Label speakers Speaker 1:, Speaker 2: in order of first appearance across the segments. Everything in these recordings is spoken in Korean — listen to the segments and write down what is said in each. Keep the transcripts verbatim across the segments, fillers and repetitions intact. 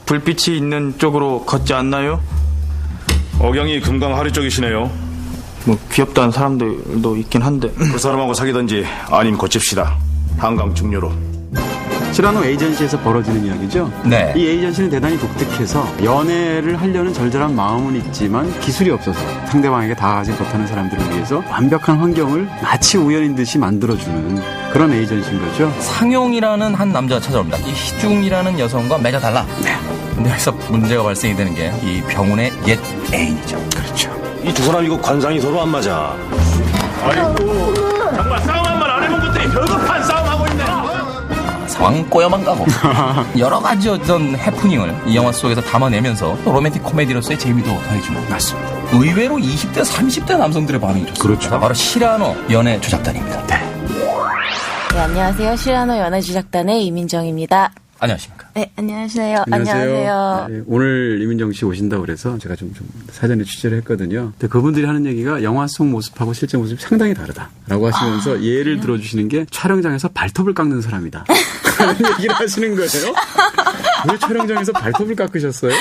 Speaker 1: 불빛이 있는 쪽으로 걷지 않나요?
Speaker 2: 억양이 금강하리 쪽이시네요.
Speaker 1: 뭐 귀엽다는 사람들도 있긴 한데
Speaker 2: 그 사람하고 사귀던지 아님 고칩시다. 한강 중료로.
Speaker 3: 시라노 에이전시에서 벌어지는 이야기죠.
Speaker 4: 네.
Speaker 3: 이 에이전시는 대단히 독특해서 연애를 하려는 절절한 마음은 있지만 기술이 없어서 상대방에게 다가가지 못하는 사람들을 위해서 완벽한 환경을 마치 우연인 듯이 만들어주는 그런 에이전시인 거죠.
Speaker 4: 상용이라는 한 남자가 찾아옵니다. 이 희중이라는 여성과 맺어달라. 네. 근데 여기서 문제가 발생이 되는 게 이 병훈의 옛 애인이죠.
Speaker 3: 그렇죠.
Speaker 2: 이 두 사람 이거 관상이 서로 안 맞아. 아이고, 정말 싸움 한 번 안 해본 것들이 별급한 싸움하고 있네.
Speaker 4: 상황 꼬여만 가고 여러 가지 어떤 해프닝을 이 영화 속에서 담아내면서 또 로맨틱 코미디로서의 재미도 더해주는.
Speaker 3: 맞습니다.
Speaker 4: 의외로 이십 대, 삼십 대 남성들의 반응이 좋습니다.
Speaker 3: 그렇죠.
Speaker 4: 바로 시라노 연애 조작단입니다. 네.
Speaker 5: 네, 안녕하세요. 시라노 연애조작단의 이민정입니다.
Speaker 4: 안녕하십니까.
Speaker 5: 네, 안녕하세요.
Speaker 3: 안녕하세요.
Speaker 5: 안녕하세요.
Speaker 3: 네, 오늘 이민정 씨 오신다고 그래서 제가 좀, 좀 사전에 취재를 했거든요. 근데 그분들이 하는 얘기가 영화 속 모습하고 실제 모습이 상당히 다르다라고 하시면서 아, 예를 그래요? 들어주시는 게 촬영장에서 발톱을 깎는 사람이다. 그런 얘기를 하시는 거예요. 왜 촬영장에서 발톱을 깎으셨어요?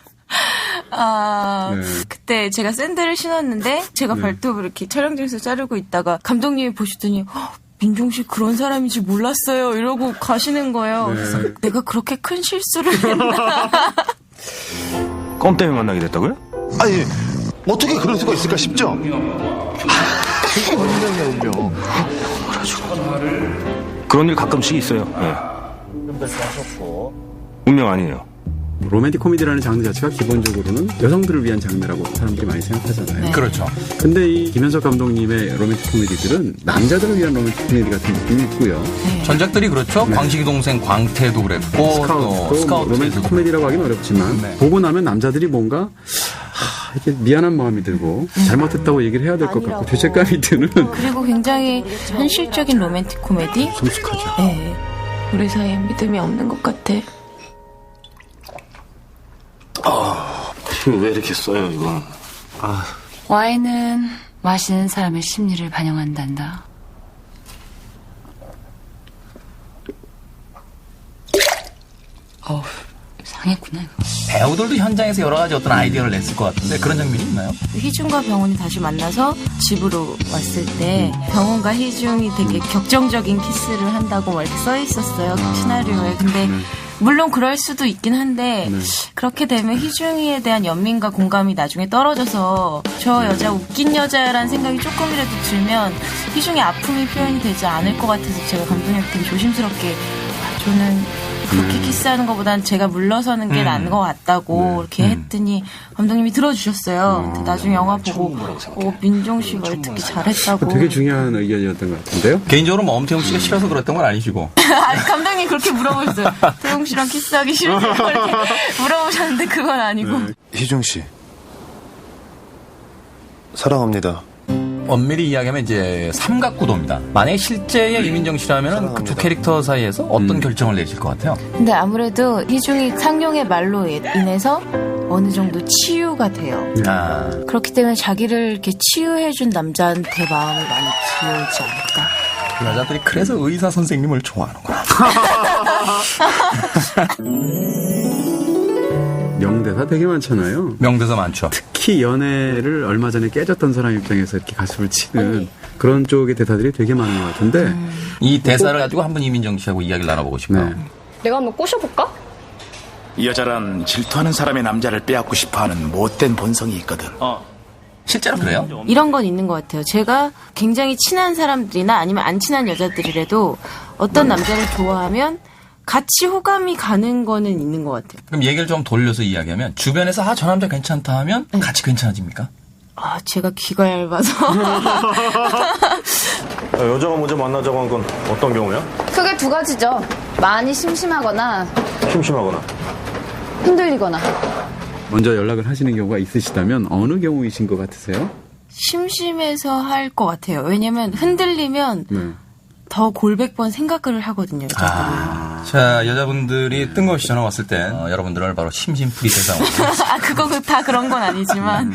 Speaker 5: 아,
Speaker 3: 네.
Speaker 5: 그때 제가 샌들을 신었는데 제가
Speaker 3: 네.
Speaker 5: 발톱을 이렇게 촬영장에서 자르고 있다가 감독님이 보시더니 민종 씨 그런 사람인지 몰랐어요 이러고 가시는 거예요.
Speaker 3: 네.
Speaker 5: 그래서 내가 그렇게 큰 실수를 했나.
Speaker 2: 껌 때문에 만나게 됐다고요?
Speaker 6: 아니 어떻게 그럴 수가 있을까 싶죠?
Speaker 2: 그런 일 가끔씩 있어요. 네. 운명 아니에요.
Speaker 3: 로맨틱 코미디라는 장르 자체가 기본적으로는 여성들을 위한 장르라고 사람들이 많이 생각하잖아요.
Speaker 5: 네.
Speaker 4: 그렇죠.
Speaker 3: 근데 이 김현석 감독님의 로맨틱 코미디들은 남자들을 위한 로맨틱 코미디 같은 느낌이 있고요.
Speaker 5: 네.
Speaker 4: 전작들이 그렇죠.
Speaker 3: 네.
Speaker 4: 광식이 동생 광태도 그랬고 또
Speaker 3: 스카우트도
Speaker 4: 스카우트
Speaker 3: 뭐 로맨틱 코미디라고 하긴 어렵지만
Speaker 4: 네.
Speaker 3: 보고 나면 남자들이 뭔가 하, 이렇게 미안한 마음이 들고 잘못했다고 얘기를 해야 될 것 같고 죄책감이 드는
Speaker 5: 그리고 굉장히 현실적인 로맨틱 코미디.
Speaker 3: 성숙하죠.
Speaker 5: 네. 우리 사이에 믿음이 없는 것 같아.
Speaker 2: 아, 왜 이렇게 써요, 이거? 아.
Speaker 7: 와인은 마시는 사람의 심리를 반영한단다. 어우, 상했구나, 이거.
Speaker 4: 배우들도 현장에서 여러 가지 어떤 아이디어를 냈을 것 같은데 그런 장면이 있나요?
Speaker 5: 희중과 병훈이 다시 만나서 집으로 왔을 때 병훈과 희중이 되게 격정적인 키스를 한다고 막 이렇게 써 있었어요. 그 시나리오에. 근데 물론 그럴 수도 있긴 한데
Speaker 3: 네.
Speaker 5: 그렇게 되면 희중이에 대한 연민과 공감이 나중에 떨어져서 저 여자 웃긴 여자라는 생각이 조금이라도 들면 희중의 아픔이 표현이 되지 않을 것 같아서 제가 감독님한테 되게 조심스럽게 아, 저는 그렇게
Speaker 3: 음.
Speaker 5: 키스하는 것보다는 제가 물러서는 게
Speaker 4: 음.
Speaker 5: 나은 것 같다고
Speaker 3: 네.
Speaker 5: 이렇게
Speaker 4: 음.
Speaker 5: 했더니 감독님이 들어주셨어요. 근데 나중에 영화 보고 어, 민종 씨가 듣기 잘했다고.
Speaker 3: 되게 중요한 의견이었던 것 같은데요.
Speaker 4: 개인적으로 뭐 엄태웅 씨가 싫어서 그랬던 건 아니시고
Speaker 5: 아니, 감독님 그렇게 물어보셨어요. 태용 씨랑 키스하기 싫다고 이렇게 물어보셨는데 그건 아니고.
Speaker 3: 네.
Speaker 6: 희중 씨 사랑합니다.
Speaker 4: 엄밀히 이야기하면 이제 삼각구도입니다. 만약에 실제의 이민정 씨라면 그 두 캐릭터 사이에서 어떤
Speaker 3: 음.
Speaker 4: 결정을 내실 것 같아요?
Speaker 5: 근데 아무래도 희중이 상용의 말로 인해서 어느 정도 치유가 돼요.
Speaker 4: 아,
Speaker 5: 그렇기 때문에 자기를 이렇게 치유해준 남자한테 마음을 많이 기울지 않을까.
Speaker 4: 그 여자들이 그래서 의사 선생님을 좋아하는구나.
Speaker 3: 명대사 되게 많잖아요.
Speaker 4: 명대사 많죠.
Speaker 3: 특히 연애를 얼마 전에 깨졌던 사람 입장에서 이렇게 가슴을 치는 그런 쪽의 대사들이 되게 많은 것 같은데
Speaker 4: 이 대사를 가지고 한번 이민정 씨하고 이야기를 나눠보고 싶어요.
Speaker 3: 네.
Speaker 8: 내가 한번 꼬셔볼까?
Speaker 9: 이 여자란 질투하는 사람의 남자를 빼앗고 싶어하는 못된 본성이 있거든.
Speaker 4: 실제로 그래요?
Speaker 5: 이런 건 있는 것 같아요. 제가 굉장히 친한 사람들이나 아니면 안 친한 여자들이라도 어떤 남자를 좋아하면 같이 호감이 가는 거는 있는 것 같아요.
Speaker 4: 그럼 얘기를 좀 돌려서 이야기하면 주변에서 아, 저 남자 괜찮다 하면
Speaker 5: 네.
Speaker 4: 같이 괜찮아집니까?
Speaker 5: 아, 제가 귀가 얇아서.
Speaker 2: 여자가 먼저 만나자고 한 건 어떤 경우야?
Speaker 8: 크게 두 가지죠. 많이 심심하거나
Speaker 2: 심심하거나.
Speaker 8: 흔들리거나.
Speaker 3: 먼저 연락을 하시는 경우가 있으시다면 어느 경우이신 것 같으세요?
Speaker 5: 심심해서 할 것 같아요. 왜냐면 흔들리면
Speaker 3: 네.
Speaker 5: 더 골백 번 생각을 하거든요. 여자들이.
Speaker 4: 아, 자, 여자분들이 뜬금없이 전화 왔을 때 어, 여러분들을 바로 심심풀이 대상으로
Speaker 5: 아, 그거 그- 다 그런 건 아니지만.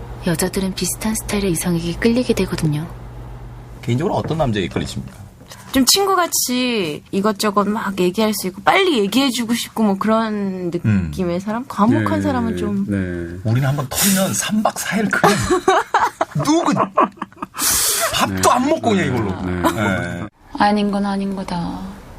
Speaker 7: 여자들은 비슷한 스타일의 이성에게 끌리게 되거든요.
Speaker 4: 개인적으로 어떤 남자에게 끌리십니까?
Speaker 5: 좀 친구같이 이것저것 막 얘기할 수 있고 빨리 얘기해주고 싶고 뭐 그런 느낌의 사람? 과묵한
Speaker 3: 네,
Speaker 5: 사람은 좀
Speaker 3: 네.
Speaker 4: 우리는 한번 털면 삼 박 사 일 그냥 누구 밥도 안 먹고 그냥 이걸로. 네.
Speaker 7: 아닌 건 아닌 거다.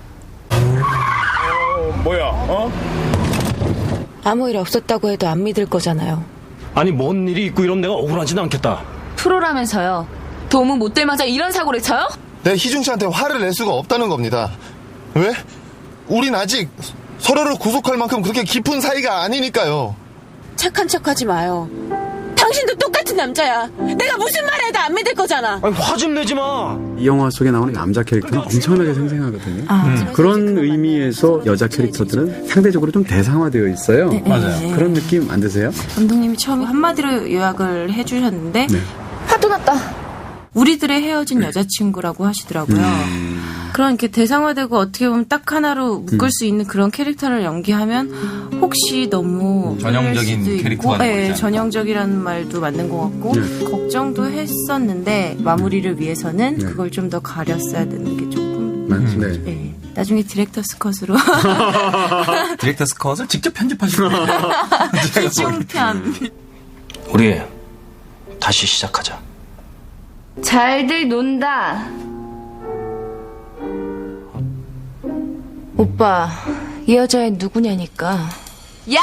Speaker 2: 뭐야, 어?
Speaker 5: 아무 일 없었다고 해도 안 믿을 거잖아요.
Speaker 2: 아니, 뭔 일이 있고 이러면 내가 억울하지는 않겠다.
Speaker 8: 프로라면서요. 도무 못 들마자 이런 사고를 쳐요?
Speaker 6: 내가 희중 씨한테 화를 낼 수가 없다는 겁니다. 왜? 우린 아직 서로를 구속할 만큼 그렇게 깊은 사이가 아니니까요.
Speaker 5: 착한 척하지 마요. 당신도 똑같은 남자야. 내가 무슨 말 해도 안 믿을 거잖아.
Speaker 2: 아니, 화 좀 내지 마.
Speaker 3: 이 영화 속에 나오는 남자 캐릭터는 엄청나게 생생하거든요.
Speaker 5: 아,
Speaker 3: 음. 그런 의미에서 여자 캐릭터들은 상대적으로 좀 대상화되어 있어요.
Speaker 4: 맞아요.
Speaker 3: 그런 느낌 안 드세요?
Speaker 5: 감독님이 처음에 한마디로 요약을 해주셨는데
Speaker 3: 네.
Speaker 8: 화도 났다.
Speaker 5: 우리들의 헤어진 여자친구라고 하시더라고요. 그런 이렇게 대상화되고 어떻게 보면 딱 하나로 묶을 수 있는 그런 캐릭터를 연기하면 혹시 너무
Speaker 4: 전형적인
Speaker 5: 오해할 수도
Speaker 4: 캐릭터가
Speaker 5: 있고,
Speaker 4: 되고
Speaker 5: 예,
Speaker 4: 있지 않을까.
Speaker 5: 전형적이라는 말도 맞는 것 같고
Speaker 3: 네.
Speaker 5: 걱정도 했었는데 마무리를 위해서는
Speaker 3: 네.
Speaker 5: 그걸 좀 더 가렸어야 되는 게 조금
Speaker 3: 맞- 네.
Speaker 5: 예, 나중에 디렉터스 컷으로
Speaker 4: 디렉터스 컷을 직접 편집하시는 거예요.
Speaker 5: 희중편
Speaker 9: 우리 다시 시작하자.
Speaker 8: 잘들 논다.
Speaker 5: 오빠 이 여자애 누구냐니까.
Speaker 8: 야!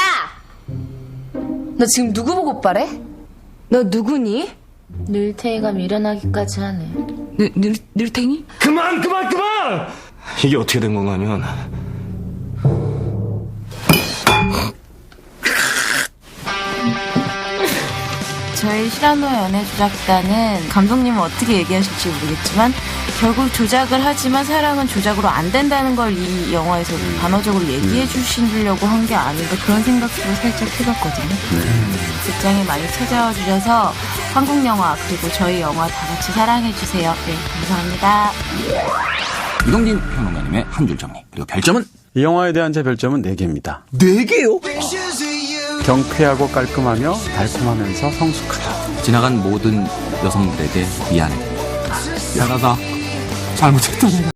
Speaker 8: 너 지금 누구 보고 오빠래? 너 누구니?
Speaker 5: 늘태이가 밀어나기까지 하네.
Speaker 7: 늘, 늘, 늘탱이?
Speaker 2: 그만, 그만, 그만! 이게 어떻게 된 건가 하면,
Speaker 5: 저희 시라노 연애조작단은 감독님은 어떻게 얘기하실지 모르겠지만 결국 조작을 하지만 사랑은 조작으로 안 된다는 걸 이 영화에서 단어적으로 얘기해 주시려고 한 게 아닌가 그런 생각도 살짝 해봤거든요. 극장에 많이 찾아와 주셔서 한국 영화 그리고 저희 영화 다 같이 사랑해 주세요. 네, 감사합니다.
Speaker 4: 이동진 평론가님의 한 줄 정리. 그리고 별점은
Speaker 3: 이 영화에 대한 제 별점은 네 개입니다.
Speaker 2: 네 개요?
Speaker 3: 경쾌하고 깔끔하며 달콤하면서 성숙하다.
Speaker 4: 지나간 모든 여성들에게 미안해. 미안하다. 잘못했다 내가.